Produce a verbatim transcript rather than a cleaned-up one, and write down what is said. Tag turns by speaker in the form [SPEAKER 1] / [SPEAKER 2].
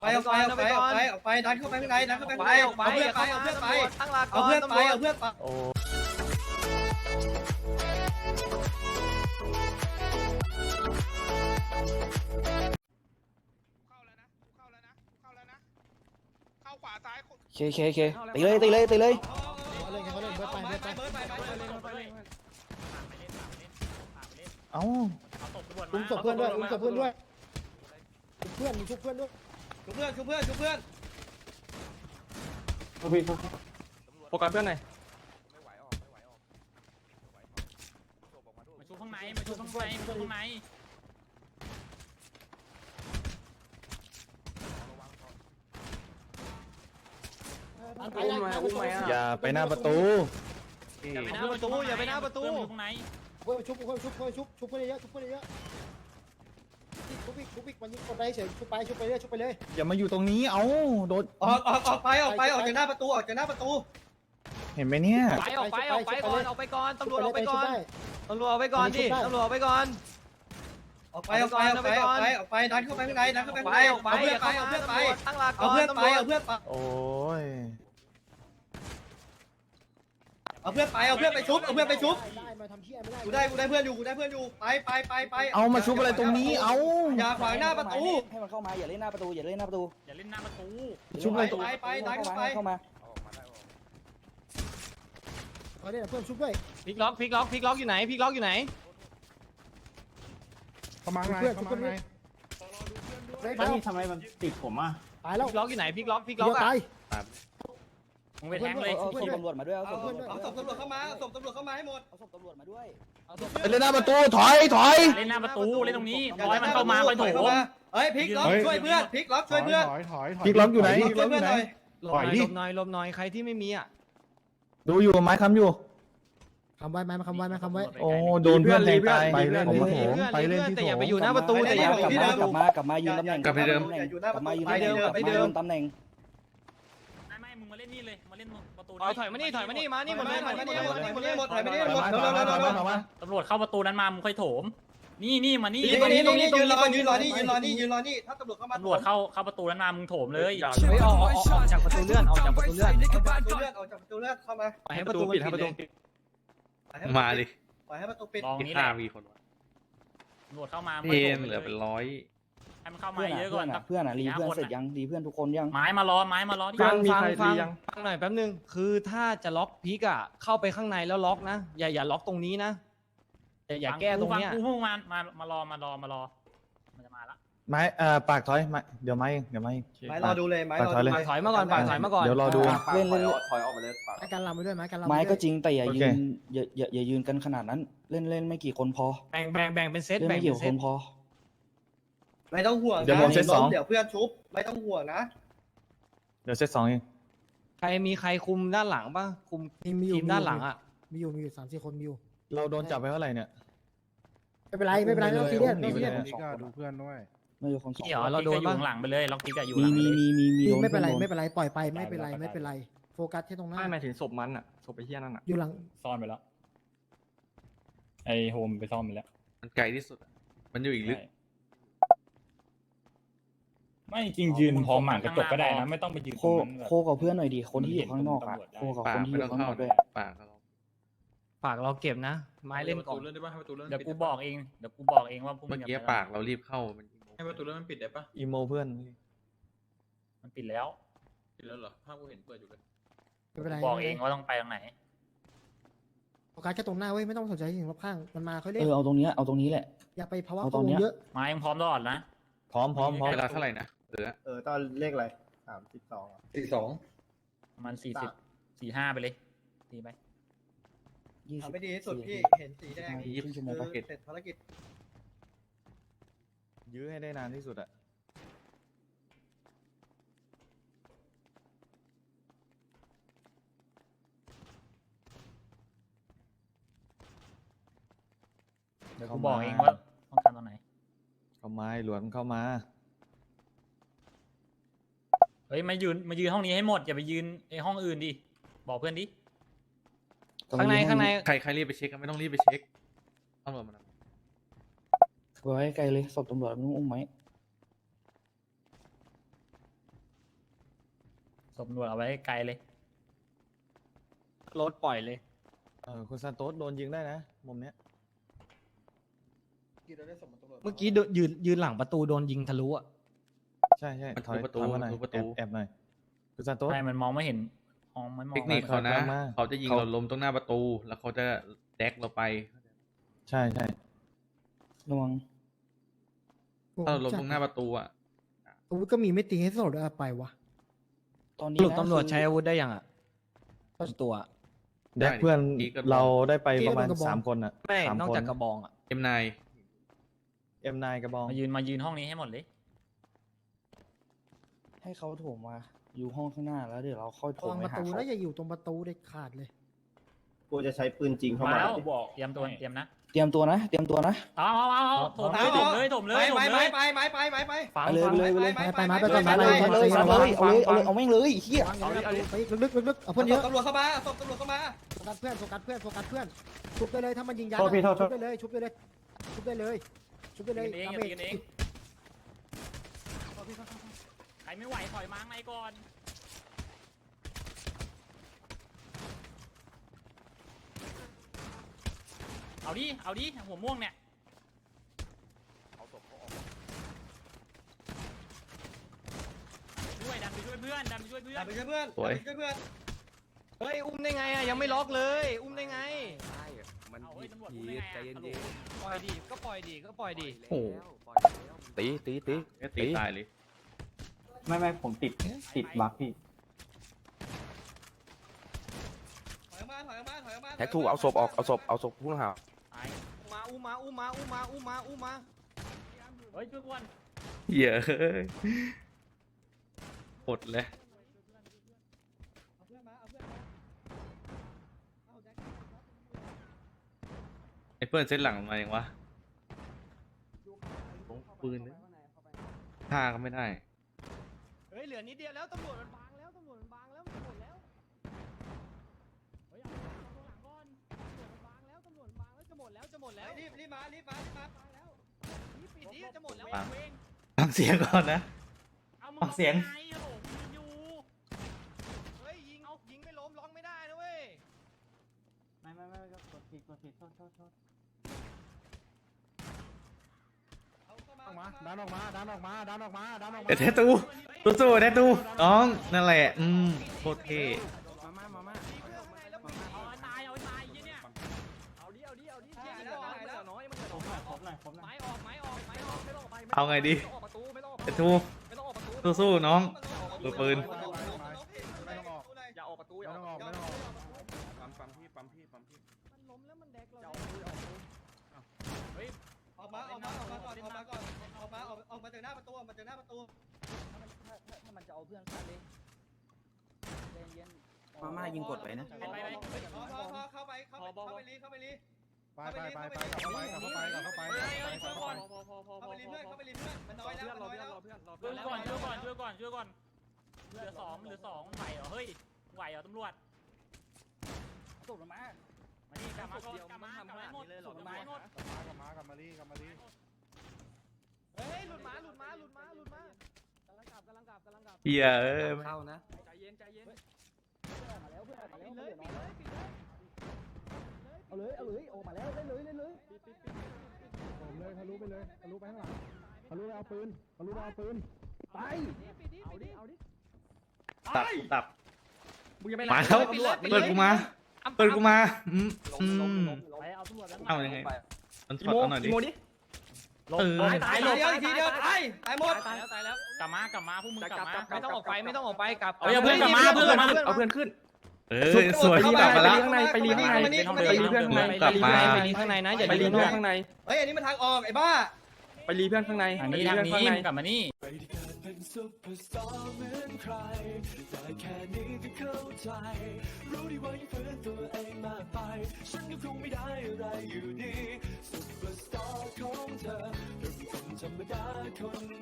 [SPEAKER 1] ไปออกไปออกไปออกไปออกไปดันเข้าไปข้างในดันเข้าไปข้างในเอาเพื่อนไปเอาเพื่อนไป
[SPEAKER 2] ตั้งหลัก
[SPEAKER 1] เอาเพื่อนไปเอาเพื่อนไป
[SPEAKER 3] โอ้เคเคเคตีเลยตีเลยตีเลยเอ้า
[SPEAKER 4] อุ้มศพเพื่อนด้วยอุ้มศพเพื่อนด้วยเพื่อนมีชุบเพื่อนด้วย
[SPEAKER 1] ชุบเพื่อนชุบเพื่อนชุบเพื่อน
[SPEAKER 3] โฟกัสเพื่อนหน่อย
[SPEAKER 2] มาชูข้างในมาชูข้างในมาชูข้างใน
[SPEAKER 3] อย่าไปหน้าประตู
[SPEAKER 2] อย่าไปหน้าประตูอย่าไปหน้าประตูข้างใน
[SPEAKER 4] เพื่อนชุบเพื่อนชุบเพื่อนชุบชุบเพื่อนเยอะชุบเพื่อนเยอะชุบอีกชุบอีกมันยิงคนได้เฉยชุบไปชุบไปเรื่อยชุบไปเลย
[SPEAKER 3] อย่ามาอยู่ตรงนี้เอ้าโดน
[SPEAKER 1] ออกออกออกไปออกไปออกจากหน้าประตูออกจากหน้าประตู
[SPEAKER 3] เห็นไหมเนี่ย
[SPEAKER 2] ไปออกไปออกไปก่อนออกไปก่อนตำรวจออกไปก่อนตำรวจออกไปก่อนดิตำรวจออกไปก่อน
[SPEAKER 1] ออกไปออกไปออกไปออกไปออกไปดันเข้าไปข้างในดันเข้าไปข้างใน
[SPEAKER 2] ออกไป
[SPEAKER 1] เอาเพื่อนไปเอาเพื่อนไป
[SPEAKER 2] ตั้งหลักก่
[SPEAKER 1] เอา
[SPEAKER 2] อน
[SPEAKER 1] เพื่อนไปเอาเพื่อนไป
[SPEAKER 3] โอ้ย
[SPEAKER 1] เอาเพื่อนไปเอาเพื่อนไปชุบเอาเพื่อนไปชุบ
[SPEAKER 4] ได้มาทำเชี่ยไม่ได้
[SPEAKER 1] กูได้กูได้เพื่อนอยู่กูได้เพื่อนอยู่ไปไปไปไป
[SPEAKER 3] เอามาชุบอะไรตรงนี้เอ้า
[SPEAKER 1] อย่าขวางหน้าประตู
[SPEAKER 5] ให้มันเข้ามาอย่าเล่นหน้าประตูอย่าเล่นหน้าประตู
[SPEAKER 2] อย่าเล่นหน้าประตู
[SPEAKER 3] ชุบอะไรตรง
[SPEAKER 1] ไปไปดันเข้าไป
[SPEAKER 5] เข้ามา
[SPEAKER 4] เอาเนี่ยเพื่อนชุบด้วย
[SPEAKER 2] พลิกล็อกพลิกล็อกพลิกล็อกอยู่ไหนพลิกล็อกอยู่ไหน
[SPEAKER 4] เพื่อนชุบเพื่อนด้วย
[SPEAKER 6] นี่ทำไมมันติดผมอ่ะ
[SPEAKER 4] ตายแล้ว
[SPEAKER 2] พลิกล็อกอยู่ไหนพลิกล็อกพลิก
[SPEAKER 4] เดี
[SPEAKER 2] ล็อก
[SPEAKER 4] ยวตาย
[SPEAKER 2] มึงไปแทงเลย
[SPEAKER 5] เอาศพตำรวจมาด้วยเอา
[SPEAKER 1] เอา
[SPEAKER 5] ศพตำรวจ
[SPEAKER 1] เอาศพตำรวจเข้ามาเอาศพตำรวจเข้ามาให้หมด
[SPEAKER 5] เอาศพตำรวจมาด้วย
[SPEAKER 3] ไปเล่นหน้าประตูถอยถอย
[SPEAKER 2] เล่นหน้าประตูเล่นตรงนี้ร้อยมันเข้ามาไปโถม
[SPEAKER 1] เฮ้ยพลิกล็อกช่วยเพื่อนพลิกล็อกช่วยเพื่อน
[SPEAKER 6] ถอยถอยถอย
[SPEAKER 3] พลิกล็อกอยู่ไหนพลิก
[SPEAKER 1] ช่
[SPEAKER 3] ล็
[SPEAKER 1] ว
[SPEAKER 3] อย กอ
[SPEAKER 1] เพื่อน
[SPEAKER 3] ยู่ไห
[SPEAKER 1] ห
[SPEAKER 3] น
[SPEAKER 1] น่อย
[SPEAKER 2] ลบหน่อยลบหน่อยลบหน่อยใครที่ไม่มีอ่ะ
[SPEAKER 3] ดูอยู่ไม้ค้ำอยู่
[SPEAKER 4] คำไว้ไหมคำไว้ไหมคำไว้
[SPEAKER 3] โอ้โดนเพื่อนแทงตาย
[SPEAKER 6] ไปเล่น
[SPEAKER 3] ผม
[SPEAKER 6] ที่
[SPEAKER 3] โถ
[SPEAKER 6] โถ
[SPEAKER 3] ม
[SPEAKER 6] มไปเล่นที่
[SPEAKER 2] แต่
[SPEAKER 6] โถ
[SPEAKER 2] อย่าไป
[SPEAKER 6] ม
[SPEAKER 2] อยู่หน้าประตูแต่อย่า
[SPEAKER 5] กลับมากลับมากลับมายืนตำแหน่ง
[SPEAKER 1] กลับไปเดิม
[SPEAKER 5] กลับมายืนตำแหน่งกลับมายืนตำแหน่ง
[SPEAKER 2] ไม่ไม่มึงมาเล่นนี่เลยมาเล่นประตูถอยมานี่ถอยมานี่มานี่หมดเลย
[SPEAKER 1] ถอย
[SPEAKER 2] มา
[SPEAKER 1] มา
[SPEAKER 2] นี่
[SPEAKER 1] นี่
[SPEAKER 2] ห
[SPEAKER 1] ห
[SPEAKER 2] ม
[SPEAKER 1] ม
[SPEAKER 2] ด
[SPEAKER 1] ด
[SPEAKER 2] เลย
[SPEAKER 1] ถอยมานี่หมดถอยมานี่หมด
[SPEAKER 3] ถอยมาถอยมาถอยมาถอยมา
[SPEAKER 2] ตำรวจเข้าประตูนั้นมามึงค่อยโถมนี่นี่มานี่
[SPEAKER 1] ยืนตรงนี้ตรงนี้ยืนรอยืนรอนี่ยืนรอนี่ยืนรอนี่ถ้าตำรวจเข้ามา
[SPEAKER 2] ตำรวจเข้าเข้าประตูนั้นมามึงโถมเลย
[SPEAKER 7] เฮ้ยออกออกออกจากประตูเลื่อนออกจากประตูเลื่อน
[SPEAKER 1] เอาจากประตูเลื่อนออกจากประตูเลื่อนเข้ามา
[SPEAKER 7] ไปให้ประตูปิดให้ประตูปิด
[SPEAKER 8] มาดิ
[SPEAKER 1] ปล่อยให้ประตูปิด
[SPEAKER 2] ลอง
[SPEAKER 8] สิบ
[SPEAKER 2] นี้แห
[SPEAKER 8] ห้า
[SPEAKER 2] ละ
[SPEAKER 8] มีคนวะ
[SPEAKER 2] ตำรวจเข้ามา
[SPEAKER 8] เทมเหลือเป็นร้อย
[SPEAKER 2] ให้มันเข้ามา
[SPEAKER 5] เพื่อน
[SPEAKER 2] เย
[SPEAKER 5] อ่ะ
[SPEAKER 2] อะก่
[SPEAKER 5] เพื่
[SPEAKER 2] อ
[SPEAKER 5] อน นอ่ะเพื่อนอ่ะรีเพื่อนเสร็จยังรีเพื่อนทุกคนยัง
[SPEAKER 2] ไม้มารอไม้มารอที่
[SPEAKER 7] ฟังฟังฟังฟังหน่อยแป๊บนึงคือถ้าจะล็อกพีกอะเข้าไปข้างในแล้วล็อกนะอย่าอย่าล็อกตรงนี้นะอย่าอย่าแก้ตรงเนี้ย
[SPEAKER 2] กูพวกมันมามารอมารอมารอมันจะมาละ
[SPEAKER 3] ไม้เอ่อปากถอยไม้เดี๋ยวไม้เองเดี๋ยวไม้เอง
[SPEAKER 1] ไม้รอดูเลยไม้รอดู
[SPEAKER 7] ปากถอยมาก่อนปากถอยมาก่อน
[SPEAKER 3] เดี๋ยวรอดู
[SPEAKER 5] เล่นเล่น
[SPEAKER 6] ถอยออกไปเลย
[SPEAKER 4] ไม้กันลำไปด้วยไม้กันลำ
[SPEAKER 5] ไม้ก็จริงแต่อย่า
[SPEAKER 3] โอ
[SPEAKER 5] ยื
[SPEAKER 3] เค
[SPEAKER 5] นอย่าอย่าอย่ายืนกันขนาดนั้น เล่นเล่นไม่กี่คนพอ
[SPEAKER 7] แบ่งแบ่งแบ่งเป็นเซต
[SPEAKER 5] เล่น
[SPEAKER 7] แบ่ง
[SPEAKER 5] ไม่กี่
[SPEAKER 7] เป็น
[SPEAKER 5] ค
[SPEAKER 7] เซต
[SPEAKER 5] นพอ
[SPEAKER 1] ไม่ต้องห่วงนะ
[SPEAKER 3] เดี๋ยวผมเซตสอง
[SPEAKER 1] เดี๋ยวเพื่อนชุบไม่ต้องห่วงนะ
[SPEAKER 3] เดี๋ยวเซตสองเอง
[SPEAKER 7] ใครมีใครคุมด้านหลังป่ะคุม
[SPEAKER 4] มีมีอยู่
[SPEAKER 7] ทีมด้านหลังอะ
[SPEAKER 4] มีอยู่มีอยู่สามสี่คนมีอยู่
[SPEAKER 3] เราโดนจับไปเท่าไหร่เนี่ย
[SPEAKER 4] ไม่เป็นไรไม่เป็นไรไม่ต้องซีเรียส
[SPEAKER 3] หนี
[SPEAKER 4] ไม่
[SPEAKER 3] ไป
[SPEAKER 4] ซี
[SPEAKER 3] เล
[SPEAKER 4] เรีย
[SPEAKER 3] ย
[SPEAKER 4] ส
[SPEAKER 6] นี่ก็ดูเพื่อนด้วย
[SPEAKER 5] ไม่กี่คนสอง
[SPEAKER 7] เดี๋ยว
[SPEAKER 5] คน
[SPEAKER 7] เราโดน
[SPEAKER 2] อยู่
[SPEAKER 7] ป่ะ
[SPEAKER 2] ข้างหลังไปเลยล็อกติ๊กอะอยู่ห
[SPEAKER 5] มี
[SPEAKER 2] ลัง
[SPEAKER 5] มีมีมีมี
[SPEAKER 4] มี
[SPEAKER 5] โดน
[SPEAKER 4] ไม่เป็นไร
[SPEAKER 5] โด
[SPEAKER 4] ไม่เป็นไรปล่อยไปไม่เป็นไรไม่เป็นไรโฟกัสแค่ตรงหน้า
[SPEAKER 6] ไม่หมายถึงศพมันอ่ะศพไปเที่ยนั่นอ่ะ
[SPEAKER 4] อยู่หลัง
[SPEAKER 2] ซ่อนไปแล้วไอโฮมไปซ่อนไปแล้ว
[SPEAKER 8] มันไกลที่สุดอะมันอยู่อีกลึก
[SPEAKER 2] ไม่จริงยืนพร้อมหมางกระจกก็ได้นะไม่ต้องไปยืน
[SPEAKER 5] โคโคกับเพื่อนหน่อยดิคนที่อยู่ข้างนอกอ่ะโคกับ
[SPEAKER 8] ปา
[SPEAKER 5] ค
[SPEAKER 8] ก
[SPEAKER 5] นที่
[SPEAKER 8] ไม่
[SPEAKER 5] อ
[SPEAKER 8] ต้อยู่ ง
[SPEAKER 5] ข้างน
[SPEAKER 8] เข้า
[SPEAKER 5] อกด้วย
[SPEAKER 8] ปากเรา
[SPEAKER 7] ปากเราเก็บนะ ไม้เล่นก่อน
[SPEAKER 6] เลื่อนได้ป่ะให้ประตูเลื่อน
[SPEAKER 2] เดี๋ยวกูบอกเองเดี๋ยวกูบอกเองว่าพวกมึ
[SPEAKER 8] เมื่อง กี้
[SPEAKER 2] ย่าไป
[SPEAKER 8] ปากเรารีบเข้ามัน
[SPEAKER 6] ให้ประตูเลื่อนมันปิดได้ป่ะ
[SPEAKER 3] อีโมเพื่อน
[SPEAKER 2] มันปิดแล้ว
[SPEAKER 6] ปิดแล้วเหรอภาพกูเห็นเปิดอยู่เลย
[SPEAKER 4] ไม่เป็นไร
[SPEAKER 2] บอกเองว่าต้องไปทางไหน
[SPEAKER 4] โฟกัสแค่ตรงหน้าเว้ยไม่ต้องสนใจสิ่งรอบข้างมันมาค่อยเล่
[SPEAKER 5] เอน อเอาตรงเนี้ยเอาตรงนี้แหละ
[SPEAKER 4] อย่าไปภาวะ
[SPEAKER 5] เอา
[SPEAKER 4] กั
[SPEAKER 5] ตรง
[SPEAKER 4] งว
[SPEAKER 5] เนี้
[SPEAKER 4] ล
[SPEAKER 5] ย
[SPEAKER 4] เยอะ
[SPEAKER 2] ไม้ยังพร้อมตลอดนะ
[SPEAKER 3] พร้อมพร้อมพร้อม
[SPEAKER 8] เวลาเท่าไหร่นะเหลือ
[SPEAKER 6] เออตอนเลขอะไรสามสิบสองสี่สอง
[SPEAKER 2] ประมาณสี่สิบสี่ห้าไปเลยตีไป
[SPEAKER 5] ยี่สิ
[SPEAKER 1] เอา
[SPEAKER 5] บ
[SPEAKER 1] ไม่ดีที่สุดพี่เห็นสีแดง
[SPEAKER 5] ยี่สิบชั่วโมง
[SPEAKER 1] คือ
[SPEAKER 5] ปะ
[SPEAKER 1] เสร็จภารกิจ
[SPEAKER 3] ยื้อให้ได้นานที่สุดอะ
[SPEAKER 2] เดี๋ยวกูบอกเองว่าต้องการตอนไหน
[SPEAKER 3] เข้ามาหลวนเข้ามา
[SPEAKER 2] เฮ้ยมายืนมายืนห้องนี้ให้หมดอย่าไปยืนไอห้องอื่นดิบอกเพื่อนดิ
[SPEAKER 7] ข้างในข้างใน
[SPEAKER 8] ใครใครรีบไปเช็คก็ไม่ต้องรีบไปเช็คตำรวจมัน
[SPEAKER 5] ไว้ไกลเลยศพตำรวจไม่ต้องอุ้มไหม
[SPEAKER 2] ตำรวจเอาไว้ไกลเลย
[SPEAKER 7] รถปล่อยเลย
[SPEAKER 9] เออคุณซานโตสโดนยิงได้นะมุมเนี้ย
[SPEAKER 7] เมื่อกี้โดนยืนยืนหลังประตูโดนยิงทะลุอ่ะ
[SPEAKER 9] ใช่ใช่
[SPEAKER 8] มัน
[SPEAKER 9] ถอย
[SPEAKER 8] ทุบประตู
[SPEAKER 9] ถอยมาหน่อย
[SPEAKER 8] ทุบประตู
[SPEAKER 9] แอบแอบหน่อยคุณซานโตส
[SPEAKER 2] ใช่มันมองไม่เห็นมองไม่มอง
[SPEAKER 8] เทคนิคเขานะ
[SPEAKER 9] กลับมา
[SPEAKER 8] เขาจะยิง
[SPEAKER 9] เขา
[SPEAKER 8] เราล้มตรงหน้าประตู แล้วเขาจะแดกเราไป
[SPEAKER 9] ใช่ใช่
[SPEAKER 5] ระวัง
[SPEAKER 8] ถ้าเราล้มตรงหน้าประตูอ่ะ
[SPEAKER 4] อาวุธก็มีไม่ตีให้สลดอะไปวะ
[SPEAKER 5] ตอน
[SPEAKER 7] ส
[SPEAKER 5] นี้
[SPEAKER 7] รุป
[SPEAKER 5] นะ
[SPEAKER 7] ตำรวจ
[SPEAKER 5] คือ
[SPEAKER 7] ใช้อาวุธได้ยังอ่ะตัว
[SPEAKER 9] แดกเพื่อน
[SPEAKER 8] อีกกระบอก
[SPEAKER 9] เราได้ไปประมาณ
[SPEAKER 4] อีกกระบอก
[SPEAKER 9] สามคนอ่ะ
[SPEAKER 7] ไม่
[SPEAKER 9] สาม
[SPEAKER 7] นอก
[SPEAKER 9] คน
[SPEAKER 7] จากกระบองอ่ะ
[SPEAKER 8] เอ็มนาย
[SPEAKER 9] เอ็มนายกระบอง
[SPEAKER 2] มายืนมายืนห้องนี้ให้หมดเลย
[SPEAKER 5] ให้เขาโถมมาอยู่ห้องข้างหน้าแล้วเดี๋ยวเราค่อยโถ
[SPEAKER 4] ระ
[SPEAKER 5] ม
[SPEAKER 4] วัง
[SPEAKER 5] ไป
[SPEAKER 4] ประ
[SPEAKER 5] หา
[SPEAKER 4] ตู
[SPEAKER 5] เขา
[SPEAKER 4] แล้วอย่าอยู่ตรงประตูเด็ดขาดเลย
[SPEAKER 6] กูจะใช้ปืนจริงเข้า
[SPEAKER 2] มา
[SPEAKER 6] มา
[SPEAKER 2] แล้วเตรียมตัวเตรียมนะ
[SPEAKER 5] เตรียมตัวนะ เตรียมตัวนะ
[SPEAKER 2] เอาเอาเอาเอาถมเลยถมเลยถมเลยถม
[SPEAKER 1] ไป
[SPEAKER 2] เลย
[SPEAKER 1] ไปไปไปไปไป
[SPEAKER 7] ฟัง
[SPEAKER 5] ไปเลย
[SPEAKER 7] ฟัง
[SPEAKER 5] ไปเลยไปเลย
[SPEAKER 1] ไป
[SPEAKER 4] ไปมาไป
[SPEAKER 1] ไป
[SPEAKER 4] ก่อนมา
[SPEAKER 1] ไป
[SPEAKER 4] เลย
[SPEAKER 5] เอาเลยเอาเลยเอาเลยเอาเลยเอาแม่งเลยเฮีย
[SPEAKER 4] เอาเลยไปลึกๆลึกๆเอาเพื่อนเยอะ
[SPEAKER 1] ตำรวจเข้ามาตำรวจเข้ามา
[SPEAKER 4] โฟกัสเพื่อนโฟกัสเพื่อนโฟกัสเพื่อนชุบได้เลยถ้ามันยิงยัน
[SPEAKER 6] โทษพี่โทษโท
[SPEAKER 4] ชุ
[SPEAKER 6] ษ
[SPEAKER 4] บได้เลยชุบได้เลยชุบได้เลยชุบได้เลย
[SPEAKER 2] ตีกันเอง
[SPEAKER 4] ดาเม
[SPEAKER 2] ตี
[SPEAKER 4] จ
[SPEAKER 2] กันเองใครไม่ไหวถอยมาข้างในก่อนเอาดิเอาดิหัวม่วงเนี่ยช่วยดันไปช่วยเพื่อนดันไปช่วยเพื่อน
[SPEAKER 1] ไปช่วยเพื่อน
[SPEAKER 8] สวย
[SPEAKER 1] ไปช่วยเพื่อน
[SPEAKER 7] เฮ้ยอุ้มได้ไงอ่ะยังไม่ล็อกเลย อุ้มได้ไง
[SPEAKER 2] เอาเฮ้ยตำรวจพูดได้ไงอะ
[SPEAKER 7] ปล่อยดีก็ปล่อยดีก็ปล่อยดี
[SPEAKER 8] โอ้โห
[SPEAKER 3] ตีตีตี
[SPEAKER 8] แค่ตีตายเลย
[SPEAKER 6] ไม่ไม่ผมติดติดบั๊กพี่
[SPEAKER 1] ถอยออกมาถอยออกมาถอยออกมา
[SPEAKER 3] แท็กทูเอาศพออกเอาศพเอาศพผู้ต้องหา
[SPEAKER 2] ตาย
[SPEAKER 7] มาอุ้มมาอุ้มมาอุ้มมาอุ้มมาอุ้มมา
[SPEAKER 2] เฮ้ยช่วยกวน
[SPEAKER 8] เหี้ยเฮ้ยหมดเลย
[SPEAKER 1] เอาเพื่อนมาเอาเพื่อนมาเอาแจ็ค
[SPEAKER 8] ไอ้เพื่อนเซตหลังมาอย่างวะลงปืนเลยฆ่าก็ไม่ได้
[SPEAKER 7] เฮ้ยเหลือนิดเดียวแล้วตำรวจมันบางแล้วตำรวจมันบางแล้วมันหมดแล้วเฮ้ยเอาตรงหลังก่อนตำรวจมันบางแล้วตำรวจมันบางแล้วจะหมดแล้วจะหมดแล้ว
[SPEAKER 1] รีบรีบมารีบมารีบมาไปแล้ว
[SPEAKER 7] นี่ปิดนี่จะหมดแล้ว
[SPEAKER 8] บาง
[SPEAKER 7] เอง
[SPEAKER 8] ฟังเสียงก่อนนะ
[SPEAKER 2] เอามึง
[SPEAKER 8] ฟังเสียง
[SPEAKER 2] ไงโอ้โหมึงอยู่
[SPEAKER 7] เฮ้ยยิงเอายิงไม่ล้มร้องไม่ได้นะเว้ย
[SPEAKER 6] ไม่ไม่ไม่กดผิดกดผิดโทษโทษโทษ
[SPEAKER 1] เอาเข้ามา
[SPEAKER 4] ออกมาดันออกมาดันออกมาดันออกมาดันออกมา
[SPEAKER 8] เดี๋ยวแทตูสู้ๆแทตูน้องนั่นแหละอืมโคตรเท่
[SPEAKER 7] มามามามาดีเพื่อนข้างในแล้วปิด
[SPEAKER 2] เอาให้ตายเอาให้ตายไอ้เหี้ยเนี่ย
[SPEAKER 7] เอาดิเอาดิเอาดิเชี่ยแล้วมันเหลือน้อยมันเหลือน้อยไม้ออกไม้ออกไม้ออกไม่ต้องออกไป
[SPEAKER 8] เอาไงดี
[SPEAKER 7] ไม่ต้องออกประตูไม่ต้องออก
[SPEAKER 8] แทตู
[SPEAKER 7] ไม่ต้องออกประตู
[SPEAKER 8] สู้ๆน้องมือปืน
[SPEAKER 7] อย่าออกประตูอย่าออกประตู
[SPEAKER 8] ปั๊มปั๊มพี่ปั๊มพี่ปั๊มพี่
[SPEAKER 7] มันล้มแล้วมันแดกเรา
[SPEAKER 1] ออกมาออกมาออกมาก่อนออกมาก่อนออกมาออกออกมาจากหน้าประตูออกมาจากหน้าประตู
[SPEAKER 5] ถ้ามันจะเอาเพื่อนเข้าเลยมาม่ายิงกดไปนะ
[SPEAKER 2] ไปไปไป
[SPEAKER 1] พอพอพอเข้าไปเข้าไปเข้าไปรีเข้าไปรี
[SPEAKER 4] ไปไปไปไปกลับเข้าไปกลับเข้าไปกลับเข้าไป
[SPEAKER 2] เฮ้ยเฮ้ยช่วยก่อน
[SPEAKER 1] เข้าไปรีเพื่อนเข้าไปรีเพื่อนมันน้อยแล้วมันน้อยแล้ว
[SPEAKER 2] ช่วยก่อนช่วยก่อนช่วยก่อนช่วยก่อนเหลือสองเหลือสองไหวเหรอเฮ้ยไหวเหรอตำรวจ
[SPEAKER 5] ตกลงมา
[SPEAKER 2] มานี่กลับมาก่อนกลับมากลับมาให้หมดกลับมาให้หมด
[SPEAKER 4] กลับมากลับมาลีกลับมาลี
[SPEAKER 7] เฮ้ยหลุดมาหลุดมาหลุดมาหลุดมากำลังกลับกำลังกลับกำลังกลับ
[SPEAKER 8] เฮียเอ้ย
[SPEAKER 3] เข้านะ
[SPEAKER 7] ใจเย็นใจเย็น
[SPEAKER 5] มาแล้วเพื่อนมาแล้ว
[SPEAKER 7] ปิด
[SPEAKER 5] เพื่
[SPEAKER 7] เล
[SPEAKER 5] อย น
[SPEAKER 7] ปิดเลยปิดเลย
[SPEAKER 5] เอาเลยเอาเลยออกมาแล้วเล่นเลยเล่นเลย
[SPEAKER 4] ผมเลยทะลุไปเลยทะลุไปข้างหลังทะลุไปเอาปืนทะลุไปเอาปืนไป
[SPEAKER 7] ปิดดิปิดดิเอาดิ
[SPEAKER 8] ตับตับ
[SPEAKER 7] มึงยังไม่
[SPEAKER 8] มาแล้วเปิดกูมาเปิดกูมาอืมอืม
[SPEAKER 2] ไปเอาตำรวจแล้ว
[SPEAKER 8] เอายังไงมันถอดเอาหน่อยดิ เออ
[SPEAKER 2] ตาย
[SPEAKER 1] เดียวอีกทีเดียวตายตายหมด
[SPEAKER 7] ตายแล้วตายแล้ว
[SPEAKER 2] กลับมากลับมาพวกมึงกลับมา
[SPEAKER 7] ไม่ต้องออกไปไม่ต้องออกไปกลับ
[SPEAKER 2] เอาอย่าเพิ่งกลับมาเพื่อนมา
[SPEAKER 3] เอาเพื่อนขึ้น
[SPEAKER 8] เออสวยที่กลับมาแล้ว
[SPEAKER 3] ข้างในไปรีข้างใน
[SPEAKER 2] ไปรีเพื่อนข้างใน
[SPEAKER 8] กลับมา
[SPEAKER 7] ไปรีข้างในนะอย่า
[SPEAKER 3] ไปรี
[SPEAKER 7] รี
[SPEAKER 3] เพื่อน
[SPEAKER 7] ข้าง
[SPEAKER 3] ข้างใน
[SPEAKER 1] เฮ้ยอันนี้มันทางออกไอ้บ้า
[SPEAKER 3] ไปรีเพื่อนข้างใน
[SPEAKER 2] ทาง
[SPEAKER 3] ไป
[SPEAKER 2] นี้
[SPEAKER 3] รี
[SPEAKER 2] ทาง
[SPEAKER 3] เพื่อน
[SPEAKER 2] นี้
[SPEAKER 3] ข้างใน
[SPEAKER 2] มึงกลับมานี่
[SPEAKER 10] ซุปเปอร์สตาร์เหมือนใครแต่แค่นี้ก็เข้าใจรู้ดีว่ายังฝืนตัวเองมากไปฉันก็คงไม่ได้อะไรอยู่ดีซุปเปอร์สตาร์ของเธอเป็นคนธรรมดาคน